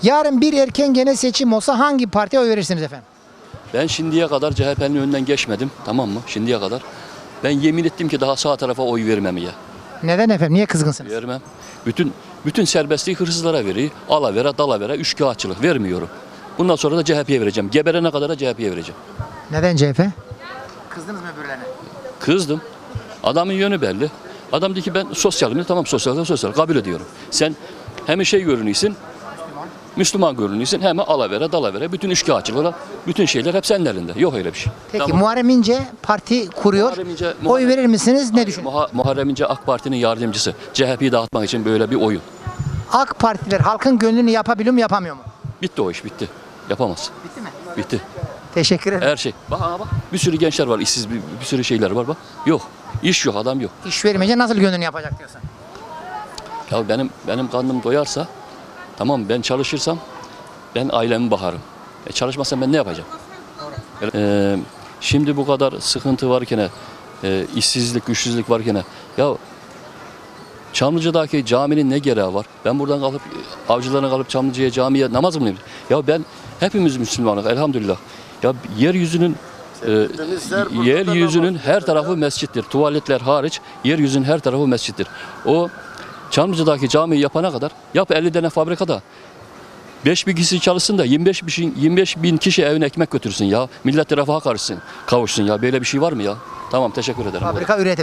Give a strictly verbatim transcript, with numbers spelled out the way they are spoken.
Yarın bir erken genel seçim olsa hangi partiye oy verirsiniz efendim? Ben şimdiye kadar C H P'nin önünden geçmedim, tamam mı? Şimdiye kadar. Ben yemin ettim ki daha sağ tarafa oy vermem ya. Neden efendim? Niye kızgınsınız? Vermem. Bütün bütün serbestliği hırsızlara veriyor. Alavere, dalavere, üçkağıtçılık vermiyorum. Bundan sonra da C H P'ye vereceğim. Geberene kadar da C H P'ye vereceğim. Neden C H P? Kızdınız mı öbürlerine? Kızdım. Adamın yönü belli. Adam dedi ki ben sosyalim. Tamam sosyal, sosyal. Kabul ediyorum. Sen hem şey görünüyorsun, Müslüman görünüyorsun, hem alavere, dalavere, bütün üçkağıtçılıklar, bütün şeyler hep senin elinde. Yok öyle bir şey. Peki Tamam. Muharrem İnce parti kuruyor. Muharrem İnce- Oy Muharrem- verir misiniz? Ne düşünüyorsunuz? Muha- Muharrem İnce AK Parti'nin yardımcısı. C H P'yi dağıtmak için böyle bir oyun. AK Partiler halkın gönlünü yapabiliyor mu yapamıyor mu? Bitti o iş, bitti. Yapamaz. Bitti mi? Bitti. Teşekkür ederim. Her şey. Bak, aa bak. Bir sürü gençler var, işsiz bir, bir sürü şeyler var bak. Yok. İş yok, adam yok. İş vermeyince nasıl gönlünü yapacak diyorsun? Ya benim benim karnım doyarsa, tamam ben çalışırsam ben ailemi bakarım. E çalışmazsam ben ne yapacağım? Ee, şimdi bu kadar sıkıntı varken, e, işsizlik, güçsüzlük varken, ya Çamlıca'daki caminin ne gereği var? Ben buradan kalıp avcılarına kalıp Çamlıca'ya camiye namaz mı kılayım? Ya ben hepimiz Müslümanız elhamdülillah. Ya yeryüzünün e, yeryüzünün her tarafı mescittir. Tuvaletler hariç yeryüzünün her tarafı mescittir. O Çamlıca'daki camiyi yapana kadar yap elli tane fabrikada beş bin kişi çalışsın da yirmi beş bin, yirmi beş bin kişi evine ekmek götürsün ya. Millet refaha karışsın, kavuşsun ya. Böyle bir şey var mı ya? Tamam teşekkür ederim. Fabrika üretim.